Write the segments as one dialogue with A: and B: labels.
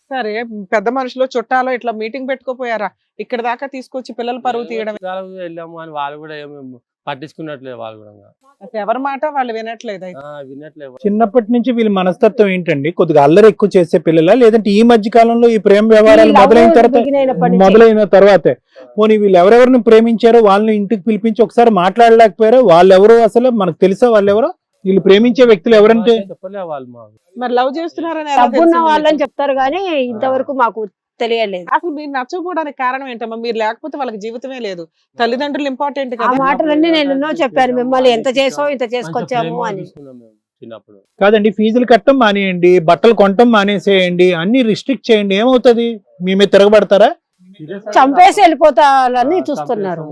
A: సరే పెద్ద మనుషులు చుట్టాలు ఇట్లా మీటింగ్ పెట్టుకోపోయారా? ఇక్కడ దాకా తీసుకొచ్చి పిల్లల పరువు తీయడం.
B: వెళ్ళాము అని వాళ్ళు కూడా ఏమి పట్టించుకున్నట్లేదు వాళ్ళు కూడా.
A: అసలు ఎవరి మాట వాళ్ళు వినట్లేదు.
B: వినట్లేదు.
C: చిన్నప్పటి నుంచి వీళ్ళ మనస్తత్వం ఏంటండి? కొద్దిగా అల్లరి ఎక్కువ చేసే పిల్లల, లేదంటే ఈ మధ్య కాలంలో ఈ ప్రేమ వ్యవహారాలు మొదలైన తర్వాతే పోనీ వీళ్ళు ఎవరెవరిని ప్రేమించారో వాళ్ళని ఇంటికి పిలిపించి ఒకసారి మాట్లాడలేకపోయారో? వాళ్ళెవరో అసలు మనకు తెలుసా? వాళ్ళెవరో వీళ్ళు ప్రేమించే వ్యక్తులు ఎవరంటే?
B: చెప్పలే వాళ్ళు
A: మరి లవ్ చేస్తున్నారని
D: డబ్బున్న వాళ్ళని చెప్తారు కానీ ఇంతవరకు మాకు తెలియలేదు.
A: అసలు మీరు నచ్చకపోవడానికి కారణం ఏంటమ్మా? మీరు లేకపోతే వాళ్ళకి జీవితమే లేదు. తల్లిదండ్రులు ఇంపార్టెంట్
D: ఆ
A: కదా.
D: మాటలన్నీ నేను ఎన్నో చెప్పాను, మిమ్మల్ని ఎంత చేసో ఇంత చేసుకొచ్చాము అని.
B: చిన్నప్పుడు
C: కాదండి, ఫీజులు కట్టడం మానేయండి, బట్టలు కొనటం మానేసేయండి, అన్ని రిస్ట్రిక్ట్ చేయండి, ఏమవుతుంది? మీ మీద తిరగబడతారా?
D: చంపేసి వెళ్ళిపోతారని చూస్తున్నారు.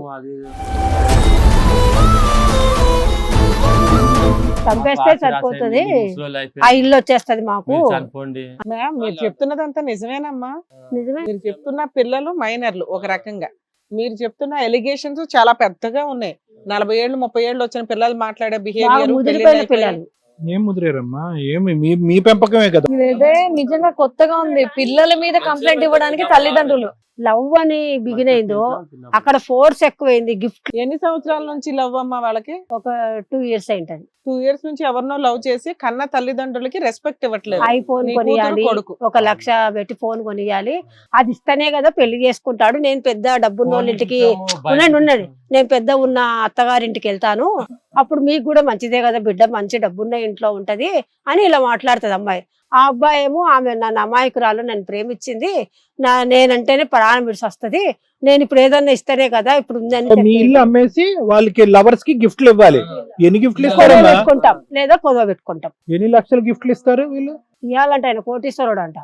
D: చంపేస్తే సరిపోతుంది, ఆ ఇల్లు వచ్చేస్తది మాకు.
A: మ్యామ్ మీరు చెప్తున్నదంతా నిజమేనమ్మా?
D: నిజమే.
A: మీరు చెప్తున్న పిల్లలు మైనర్లు ఒక రకంగా, మీరు చెప్తున్న ఎలిగేషన్స్ చాలా పెద్దగా ఉన్నాయి. 40 ఏళ్ళు 30 ఏళ్ళు వచ్చిన పిల్లలు మాట్లాడే
D: ముదిరిపోయిన పిల్లలు.
C: ఏం ముదిరేరమ్మా? ఏమి మీ పెంపకమే కదా.
E: ఇదే నిజంగా కొత్తగా ఉంది. పిల్లల మీద కంప్లైంట్ ఇవ్వడానికి తల్లిదండ్రులు.
D: లవ్ అని బిగిన్ అయిందో అక్కడ ఫోర్స్ ఎక్కువైంది. గిఫ్ట్
A: ఎన్ని సంవత్సరాల నుంచి లవ్ అమ్మా వాళ్ళకి?
D: ఒక 2 years అయింటది.
A: 2 years నుంచి ఎవరినో లవ్ చేసి కన్న తల్లిదండ్రులకి రెస్పెక్ట్ ఇవ్వట్లేదు.
D: ఐఫోన్ కొనియాలి, 1 లక్ష పెట్టి ఫోన్ కొనియాలి, అది ఇస్తేనే కదా పెళ్లి చేసుకుంటాడు. నేను పెద్ద డబ్బున్న వాళ్ళ ఇంటికి ఉన్నది, నేను పెద్ద ఉన్న అత్తగారింటికి వెళ్తాను, అప్పుడు మీకు కూడా మంచిదే కదా, బిడ్డ మంచి డబ్బున్న ఇంట్లో ఉంటది అని ఇలా మాట్లాడుతుంది అమ్మాయి. ఆ అబ్బాయి ఏమో ఆమె నన్ను అమాయకురాలు, నన్ను ప్రేమించింది, నేనంటేనే ప్రాణం విడిచి వస్తుంది, నేను ఇప్పుడు ఏదన్నా ఇస్తేనే కదా ఇప్పుడు
C: మీ ఇల్లు అమ్మేసి వాళ్ళకి లవర్స్ కి గిఫ్ట్లు ఇవ్వాలి. ఎన్ని గిఫ్ట్లు ఇస్తారు?
D: పెట్టుకుంటాం లేదా కొదవ పెట్టుకుంటాం.
C: ఎన్ని లక్షల గిఫ్ట్లు ఇస్తారు వీళ్ళు?
D: ఇవ్వాలంటే ఆయన కోటీశ్వరుడు అంట.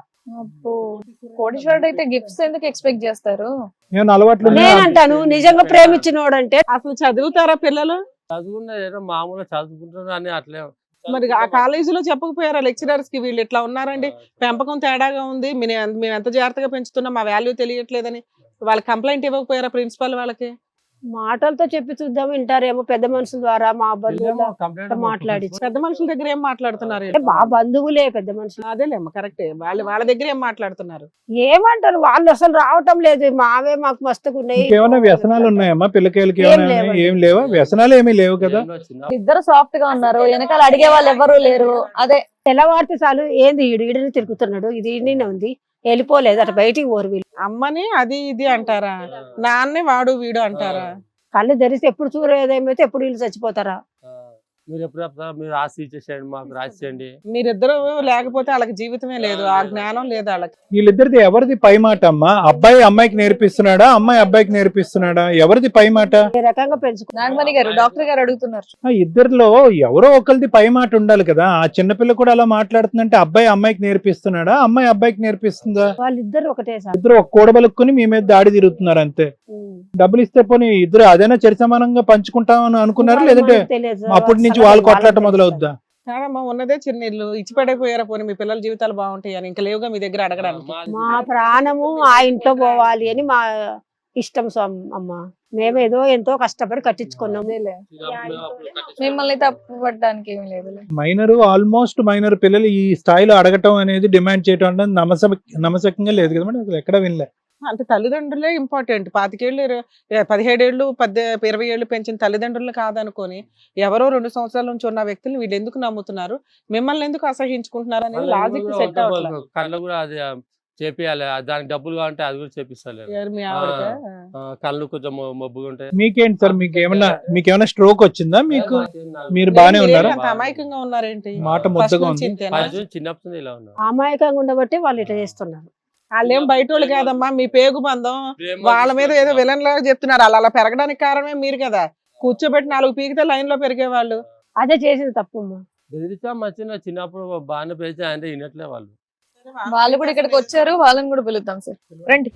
E: కోటీశ్వరుడు అయితే గిఫ్ట్స్ ఎందుకు ఎక్స్పెక్ట్ చేస్తారు?
C: ఏమైనా అలవాట్లు?
D: నేనంటాను నిజంగా ప్రేమించినోడు అంటే.
A: అసలు చదువుతారా పిల్లలు?
B: చదువుకున్న మామూలుగా చదువుకుంటున్నారు అని అట్లే.
A: మరి ఆ కాలేజీలో చెప్పకపోయారా లెక్చరర్స్ కి వీళ్ళు ఇట్లా ఉన్నారండి, పెంపకం తేడాగా ఉంది, మేము ఎంత జాగ్రత్తగా పెంచుతున్నాం, మా వాల్యూ తెలియట్లేదని వాళ్ళకి కంప్లైంట్ ఇవ్వకపోయారా ప్రిన్సిపల్ వాళ్ళకి?
D: మాటలతో చెప్పి చూద్దాం, వింటారేమో. పెద్ద మనుషుల ద్వారా మా బంధువులు మాట్లాడి,
A: పెద్ద మనుషుల దగ్గర ఏం మాట్లాడుతున్నారు?
D: మా బంధువులే పెద్ద మనుషులు.
A: అదేలేమ్మా కరెక్టే, వాళ్ళ దగ్గర ఏం మాట్లాడుతున్నారు?
D: ఏమంటారు వాళ్ళు? అసలు రావటం లేదు, మావే మాకు మస్తుగా ఉన్నాయి.
C: ఏమైనా వ్యసనాలు ఉన్నాయమ్మా పిల్లకాయలకి? ఏం లేవా? వ్యసనాలు ఏమీ లేవు కదా.
E: ఇద్దరు సాఫ్ట్ గా ఉన్నారు, వెనకాల అడిగే వాళ్ళు ఎవరు లేరు. అదే
D: తెల్లవారితే చాలు, ఏంది ఈడిని తిరుగుతున్నాడు, ఇది ఈడనే ఉంది, వెళ్ళిపోలేదు అటు బయటికి ఓరు. వీళ్ళు
A: అమ్మని అది ఇది అంటారా, నాన్నే వాడు వీడు అంటారా?
D: కళ్ళు తెరిస్తే ఎప్పుడు చూడలేదేమైతే ఎప్పుడు వీళ్ళు చచ్చిపోతారా?
B: మీరు ఎప్పుడు మీరు రాసి ఇచ్చేసేయండి, మాకు రాసి చేయండి.
A: మీరిద్దరు లేకపోతే వాళ్ళకి జీవితమే లేదు, ఆ జ్ఞానం లేదు వాళ్ళకి.
C: వీళ్ళిద్దరిది ఎవరిది పై మాట అమ్మా? అబ్బాయి అమ్మాయికి నేర్పిస్తున్నాడా, అమ్మాయి అబ్బాయికి నేర్పిస్తున్నాడా? ఎవరిది పై మాట?
D: ఏ రకంగా పెంచుకున్నారు?
E: నాగమణి గారు డాక్టర్ గారు అడుగుతున్నారు.
C: ఇద్దరిలో ఎవరో ఒకరిది పై మాట ఉండాలి కదా. ఆ చిన్నపిల్ల కూడా అలా మాట్లాడుతుందంటే అబ్బాయి అమ్మాయికి నేర్పిస్తున్నాడా, అమ్మాయి అబ్బాయికి నేర్పిస్తుందా?
D: వాళ్ళిద్దరు ఒకటే సార్.
C: ఇద్దరు ఒక కూడబలుక్కుని మీ మీద దాడి తిరుగుతున్నారు అంతే. డబ్బులు ఇస్తే పోనీ ఇద్దరు అదైనా చరి సమానంగా పంచుకుంటామని అనుకున్నారా, లేదంటే అప్పటి నుంచి వాళ్ళు కొట్లాట మొదలవుద్దా?
A: కాదమ్మా, ఉన్నదే చిన్న ఇల్లు, ఇచ్చి పడైపోయారా పోనీ మీ పిల్లల జీవితాలు బాగుంటాయి అని? ఇంకా లేవుగా మీ దగ్గర అడగడానికి.
D: మా ప్రాణము ఆ ఇంట్లో పోవాలి అని మా ఇష్టం అమ్మ. మేమేదో ఎంతో కష్టపడి కట్టించుకున్నాం.
E: మిమ్మల్ని తప్పు పట్టడానికి ఏమి లేదు.
C: మైనర్, ఆల్మోస్ట్ మైనర్ పిల్లలు ఈ స్థాయిలో అడగటం అనేది, డిమాండ్ చేయటం అనేది నమ్మశక్యంగా లేదు కదా మేడం. అసలు ఎక్కడ వినలే.
A: అంటే తల్లిదండ్రులే ఇంపార్టెంట్. 25 ఏళ్ళు 17 ఏళ్ళు 20 ఏళ్ళు పెంచిన తల్లిదండ్రులు కాదనుకొని ఎవరో 2 సంవత్సరాల నుంచి ఉన్న వ్యక్తులు వీళ్ళు ఎందుకు నమ్ముతున్నారు, మిమ్మల్ని ఎందుకు అసహించుకుంటున్నారు అనేది లాజిక్ సెట్ అవ్వట్లేదు.
B: కళ్ళు కూడా అది చేపియాలి, దానికి డబ్బులు కావాలంటే అది కూడా చేపిస్తారు.
A: మీ ఆవిడకా?
B: కళ్ళు కొంచెం మబ్బుగా ఉంటాయి.
C: మీకేంటి సార్, మీకేమైనా స్ట్రోక్ వచ్చిందా? మీరు బానే ఉన్నారా?
A: అమాయకంగా ఉన్నారేంటి?
C: మాట ముద్దగా ఉంది.
B: చిన్నప్పుడు ఇలా ఉన్నారు.
D: అమాయకంగా ఉండబట్టి వాళ్ళు ఇట్లా చేస్తున్నారు.
A: వాళ్ళేం బయట వాళ్ళు కాదమ్మా, మీ పేగు బంధం. వాళ్ళ మీద ఏదో విలన్ లాగా చెప్తున్నారు. అలా పెరగడానికి కారణమే మీరు కదా. కూర్చోబెట్టి 4 పీకితే లైన్ లో పెరిగేవాళ్ళు.
D: అదే చేసింది తప్పమ్మా.
B: బెదిరించా మచ్చిన చిన్నప్పుడు బాగానే పెంచా అంటే వినట్లే వాళ్ళు.
E: వాళ్ళు కూడా ఇక్కడికి వచ్చారు, వాళ్ళని కూడా పిలుద్దాం సార్, రండి.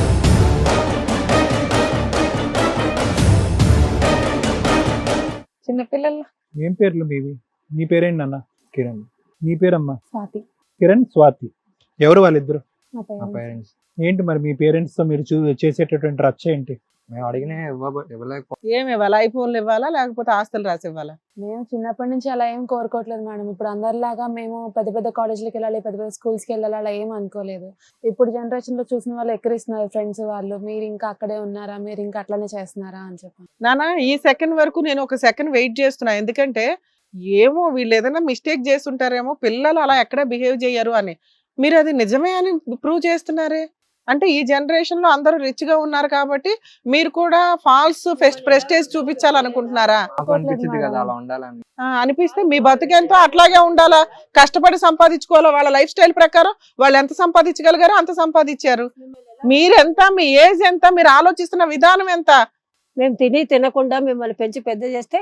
E: చిన్నపిల్లలు.
C: ఏం పేర్లు మీవి? నీ పేరేంటి నాన్న? కిరణ్. నీ పేరమ్మా?
D: స్వాతి.
C: కిరణ్, స్వాతి. ఎవరు వాళ్ళిద్దరు?
D: మా పేరెంట్స్.
C: ఏంటి మరి మీ పేరెంట్స్ తో మీరు చేసేటటువంటి రచ్చ ఏంటి?
F: మేము అడిగిన ఇవ్వలేకపోతే
A: ఏమి ఇవ్వాలా? ఐఫోన్లు ఇవ్వాలా లేకపోతే ఆస్తులు రాసి ఇవ్వాలా?
G: మేము చిన్నప్పటి నుంచి అలా ఏం కోరుకోవట్లేదు మేడం. ఇప్పుడు అందరిలాగా మేము పెద్ద పెద్ద కాలేజీలకు వెళ్ళాలి, పెద్ద పెద్ద స్కూల్స్కి వెళ్ళాలి అలా ఏం అనుకోలేదు. ఇప్పుడు జనరేషన్ లో చూసిన వాళ్ళు ఎక్కిరిస్తున్నారు ఫ్రెండ్స్ వాళ్ళు, మీరు ఇంకా అక్కడే ఉన్నారా, మీరు ఇంకా అట్లానే చేస్తున్నారా అని చెప్పి.
A: నానా ఈ సెకండ్ వరకు నేను ఒక సెకండ్ వెయిట్ చేస్తున్నా, ఎందుకంటే ఏమో వీళ్ళు ఏదైనా మిస్టేక్ చేస్తుంటారేమో, పిల్లలు అలా ఎక్కడ బిహేవ్ చేయరు అని. మీరు అది నిజమే అని ప్రూవ్ చేస్తున్నారే. అంటే ఈ జనరేషన్ లో అందరూ రిచ్ గా ఉన్నారు కాబట్టి మీరు కూడా ఫాల్స్ ప్రెస్టేజ్ చూపించాలనుకుంటున్నారా?
F: నాకు అనిపించింది కదా అలా ఉండాలని.
A: అనిపిస్తే మీ బతుకెంతో అట్లాగే ఉండాలా, కష్టపడి సంపాదించుకోవాలా. వాళ్ళ లైఫ్ స్టైల్ ప్రకారం వాళ్ళు ఎంత సంపాదించగలిగారో అంత సంపాదించారు. మీరెంత, మీ ఏజ్ ఎంత, మీరు ఆలోచిస్తున్న విధానం ఎంత?
D: మేము తినకుండా మిమ్మల్ని పెంచి పెద్ద చేస్తే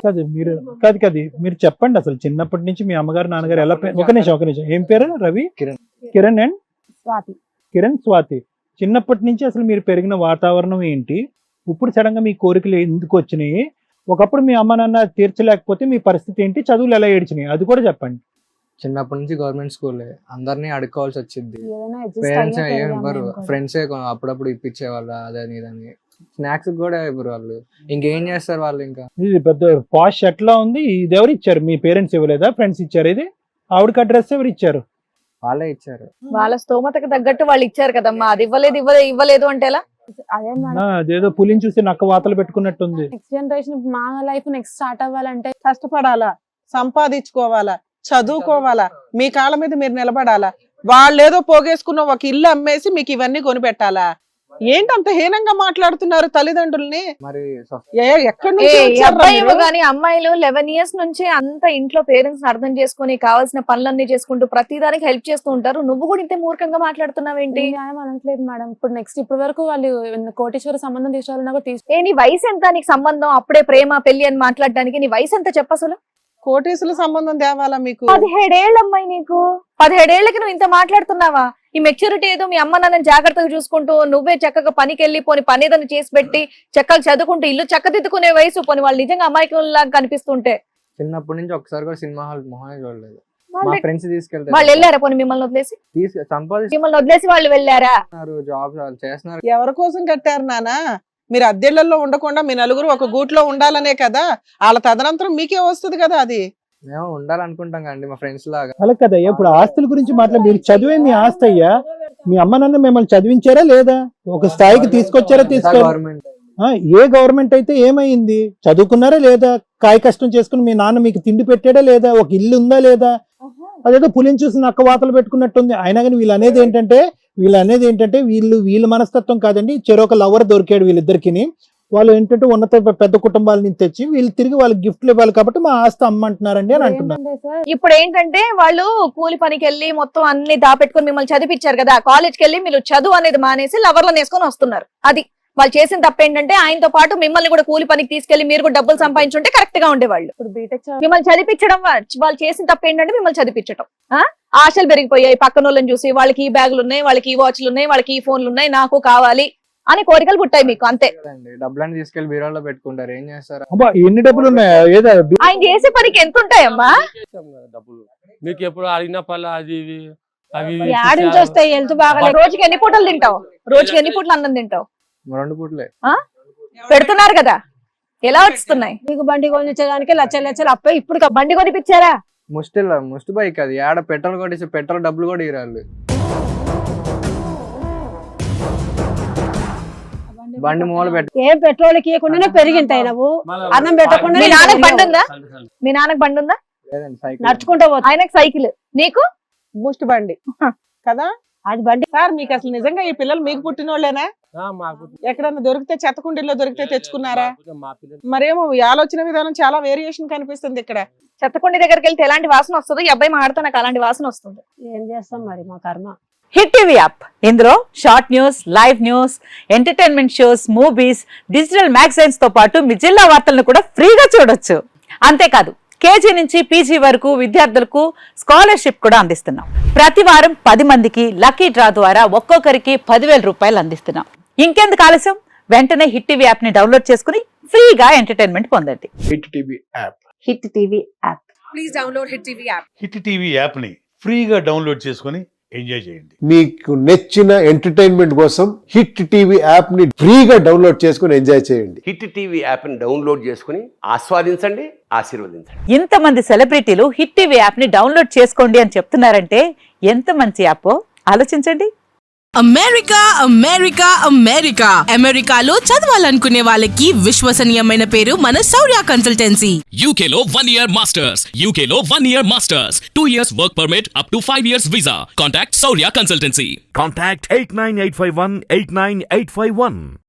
C: మీరు చెప్పండి అసలు చిన్నప్పటి నుంచి మీ అమ్మగారు నాన్నగారు ఎలా ఒక నిమిషం ఏం పేరు? రవి, కిరణ్ అండ్
D: స్వాతి.
C: స్వాతి. చిన్నప్పటి నుంచి అసలు మీరు పెరిగిన వాతావరణం ఏంటి? ఇప్పుడు సడన్ గా మీ కోరికలు ఎందుకు వచ్చినాయి? ఒకప్పుడు మీ అమ్మ నాన్న తీర్చలేకపోతే మీ పరిస్థితి ఏంటి? చదువులు ఎలా ఏడ్చినాయి అది కూడా చెప్పండి.
F: చిన్నప్పటి నుంచి గవర్నమెంట్ స్కూలే, అందరినీ అడుక్కోవాల్సి వచ్చింది.
G: ఏదైనా adjust
F: పేరెంట్స్
G: అయ్యే
F: ఏం
G: పెరగాలి
F: ఇవ్వరు,
G: అనుకోండి.
F: ఫ్రెండ్సే అప్పుడప్పుడు ఇప్పించేవాళ్ళు అదని ఇదని. స్నాక్స్ కూడా ఇవ్వరు వాళ్ళు, ఇంకేం చేస్తారు వాళ్ళు ఇంకా.
C: ఇది పెద్ద పాష్ ఎట్లా ఉంది? ఇది ఎవరు ఇచ్చారు? మీ పేరెంట్స్ ఇవ్వలేదా? ఫ్రెండ్స్ ఇచ్చారు? ఇది ఆవిడకి అడ్రస్ ఎవరు ఇచ్చారు?
F: వాళ్ళే ఇచ్చారు.
E: వాళ్ళ స్తోమతకు తగ్గట్టు వాళ్ళు ఇచ్చారు కదమ్మా. అది ఇవ్వలేదు అంటే ఎలా?
G: అదే మేడం,
C: అదేదో పులిని చూసి నక్క వాతలు పెట్టుకున్నట్టుంది.
G: నెక్స్ట్ జనరేషన్ మా లైఫ్ నెక్స్ట్ స్టార్ట్ అవ్వాలంటే
A: కష్టపడాలా, సంపాదించుకోవాలా, చదువుకోవాలా, మీ కాళ్ళ మీద మీరు నిలబడాలా. వాళ్ళేదో పోగేసుకున్న ఒక ఇల్లు అమ్మేసి మీకు ఇవన్నీ కొనిపెట్టాలా? ఏంటంత హీనంగా మాట్లాడుతున్నారు తల్లిదండ్రుల్ని?
F: మరి
A: ఎక్కడి నుంచి వచ్చారురా
E: అబ్బాయి
A: మీరు?
E: కానీ అమ్మాయిలు 11 years నుంచి అంత ఇంట్లో పేరెంట్స్ అర్థం చేసుకుని కావాల్సిన పనులన్నీ చేసుకుంటూ ప్రతిదానికి హెల్ప్ చేస్తూ ఉంటారు. నువ్వు కూడా ఇంత మూర్ఖంగా మాట్లాడుతున్నావేంటి?
G: న్యాయం అనట్లేదు మేడం. ఇప్పుడు నెక్స్ట్ ఇప్పటి వరకు వాళ్ళు కోటేశ్వర సంబంధం తీసుకోవాలన్నా కూడా
E: నీ వయసు ఎంత? నీకు సంబంధం అప్పుడే ప్రేమ పెళ్లి అని మాట్లాడడానికి నీ వయసు ఎంత చెప్పు అసలు?
A: కోటేశ్వర సంబంధం తేవాలా మీకు?
E: 17 ఏళ్ళ అమ్మాయి నీకు. 17 ఏళ్ళకి నువ్వు ఇంత మాట్లాడుతున్నావా? ఈ మెచ్యూరిటీ ఏదో మీ అమ్మ నాన్నని జాగ్రత్తగా చూసుకుంటూ నువ్వే చక్కగా పనికి వెళ్ళి పోని పని ఏదైనా చేసి పెట్టి చక్కగా చదువుకుంటూ ఇల్లు చక్కదిద్దుకునే వయసు. పోని వాళ్ళు నిజంగా అమాయకుల్లాగా కనిపిస్తుంటే.
F: చిన్నప్పటి నుంచి ఒకసారి కూడా సినిమా హాల్ మొహమే చూడలేదు. మా
E: వాళ్ళే-
F: ఫ్రెండ్స్ తీసుకెళ్తారు,
E: వాళ్ళు వెళ్ళారా పోనీ మిమ్మల్ని వదిలేసి?
F: సంపాదిస్తున్నారు,
E: మిమ్మల్ని వదిలేసి వాళ్ళు వెళ్ళారా?
F: జాబ్స్ వాళ్ళు చేస్తున్నారు.
A: ఎవరి కోసం కట్టారు నానా? మీరు అద్దెళ్లలో ఉండకుండా మీ నలుగురు ఒక గూట్లో ఉండాలనే కదా. వాళ్ళ తదనంతరం మీకే వస్తుంది కదా అది.
F: మేము ఉండాలనుకుంటాం కండి మా ఫ్రెండ్స్ లాగా.
C: అలా కదయ్యా, ఇప్పుడు ఆస్తుల గురించి మీరు చదివే మీ ఆస్తి అయ్యా. మీ అమ్మ నాన్న మిమ్మల్ని చదివించారా లేదా? ఒక స్థాయికి తీసుకొచ్చారా?
F: గవర్నమెంట్
C: ఏ గవర్నమెంట్ అయితే ఏమైంది? చదువుకున్నారా లేదా? కాయ కష్టం చేసుకుని మీ నాన్న మీకు తిండి పెట్టాడా లేదా? ఒక ఇల్లు ఉందా లేదా? అదేదో పులిని చూసి నక్క వాతలు పెట్టుకున్నట్టుంది. అయినా కానీ వీళ్ళు అనేది ఏంటంటే వీళ్ళ మనస్తత్వం కాదండి. చెరొక లవర్ దొరికాడు వీళ్ళిద్దరికి. వాళ్ళు ఏంటంటే ఉన్నత పెద్ద కుటుంబాల నుంచి తెచ్చి వీళ్ళు తిరిగి వాళ్ళకి గిఫ్ట్లు ఇవ్వాలి కాబట్టి మా ఆస్తి అమ్మంటున్నారండి అని అంటున్నారు.
G: ఏంటంటే సార్,
E: ఇప్పుడు ఏంటంటే వాళ్ళు కూలి పనికి వెళ్ళి మొత్తం అన్ని దాపెట్టుకుని మిమ్మల్ని చదివించారు కదా. కాలేజ్కి వెళ్ళి మీరు చదువు అనేది మానేసి లవర్లను వేసుకొని వస్తున్నారు. అది వాళ్ళు చేసిన తప్పు ఏంటంటే ఆయనతో పాటు మిమ్మల్ని కూడా కూలి పనికి తీసుకెళ్లి మీరు కూడా డబ్బులు సంపాదించుంటే కరెక్ట్ గా ఉండేవాళ్ళు.
G: ఇప్పుడు బీటెక్
E: మిమ్మల్ని చదివించడం వాళ్ళు చేసిన తప్పు ఏంటంటే మిమ్మల్ని చదివించడం. ఆశలు పెరిగిపోయాయి పక్కన వాళ్ళని చూసి. వాళ్ళకి ఈ బ్యాగులు ఉన్నాయి, వాళ్ళకి ఈ వాచ్లు ఉన్నాయి, వాళ్ళకి ఈ ఫోన్లు ఉన్నాయి, నాకు కావాలి అని కోరికలు పుట్టాయి మీకు. అంతే.
F: డబ్బులని తీసుకెళ్లి బీరోలో పెట్టుకుంటారు. ఏం చేస్తారు?
C: అబ్బా, ఎన్ని డబ్బులు ఉన్నాయా? ఏదో
E: ఆయన చేసే పనికి ఎంత ఉంటాయమ్మా?
B: డబ్బులు మీకు ఎప్పుడు అడిగిన పనులు అది ఇవి అవి
D: యాడ్ నుంచి వస్తాయి హెల్త్ బాగా.
E: రోజుకి ఎన్ని పూటలు తింటావు? రోజుకి ఎన్ని పూటలు అన్నం తింటావు?
F: 2 పూటలే
E: పెడుతున్నారు కదా, ఎలా వస్తున్నాయి?
D: నీకు బండి కొనిచ్చడానికి లక్షలు అప్పే. ఇప్పుడు
E: బండి కొనిపించారా?
F: ముష్టి బైక్ అది. ఆడ పెట్రోల్ కొట్టేసి పెట్రోల్ డబ్బులు కూడా ఇరాళ్ళు. బండి మూల పెట్టి
D: ఏం పెట్రోల్ ఇవ్వకుండానే పెరిగింటాయి. నువ్వు అన్నం పెట్టకుండా
E: మీ నాన్నకి బండి ఉందా? మీ నాన్నకి బండి ఉందా?
F: లేదండి, సైకిల్.
D: నడుచుకుంటూ పోతా.
E: ఆయనకి సైకిల్, నీకు
A: బూస్ట్ బండి కదా.
D: అది బండి.
A: సార్ మీకు అసలు నిజంగా ఈ పిల్లలు మీకు పుట్టిన వాళ్ళేనా?
B: మాకు
A: ఎక్కడన్నా దొరికితే చెత్తకుండీల్లో దొరికితే తెచ్చుకున్నారా?
B: మా పిల్లలు
A: మరేమో ఈ ఆలోచన విధానం చాలా వేరియేషన్ కనిపిస్తుంది ఇక్కడ.
E: చెత్తకుండి దగ్గరికి వెళ్తే ఎలాంటి వాసన వస్తుందో, ఈ అబ్బాయి మాడితే నాకు అలాంటి వాసన వస్తుంది.
D: ఏం చేస్తాం మరి, మా కర్మ.
H: హిట్ టీవీ యాప్, ఇందులో short news, live news, entertainment shows, movies, digital magazines తో పాటు మీ జిల్లా వార్తలను కూడా ఫ్రీగా చూడొచ్చు. అంతేకాదు కేజీ నుంచి పీజీ వరకు విద్యార్థులకు స్కాలర్షిప్ కూడా అందిస్తున్నాం. ప్రతి వారం 10 మందికి లక్కీ డ్రా ద్వారా ఒక్కొక్కరికి 10,000 రూపాయలు అందిస్తున్నాం. ఇంకెందుకు ఆలస్యం, వెంటనే హిట్ టీవీ యాప్ ని డౌన్లోడ్ చేసుకుని ఫ్రీగా ఎంటర్టైన్మెంట్ పొందండి.
I: Hit TV app.
H: Hit TV app.
J: Hit TV యాప్ని ఫ్రీగా డౌన్లోడ్ చేసుకొని
I: ఎంజాయ్ చేయండి.
J: మీకు నచ్చిన ఎంటర్టైన్మెంట్ కోసం హిట్ టీవీ యాప్ ని ఫ్రీగా డౌన్లోడ్ చేసుకుని ఎంజాయ్ చేయండి.
K: హిట్ టీవీ యాప్ని డౌన్లోడ్ చేసుకుని ఆస్వాదించండి, ఆశీర్వదించండి.
H: ఇంతమంది సెలబ్రిటీలు హిట్ టీవీ యాప్ ని డౌన్లోడ్ చేసుకోండి అని చెప్తున్నారంటే ఎంత మంచి యాప్ ఆలోచించండి.
L: అమెరికా అమెరికా అమెరికా అమెరికాలో చదవాలనుకునే వాళ్ళకి విశ్వసనీయమైన పేరు మన శౌర్య కన్సల్టెన్సీ.
M: UK లో 1 year masters, UK లో 1 year masters, 2 years work permit up to 5 years visa. Contact Saurya Consultancy.
I: Contact 89851 89851.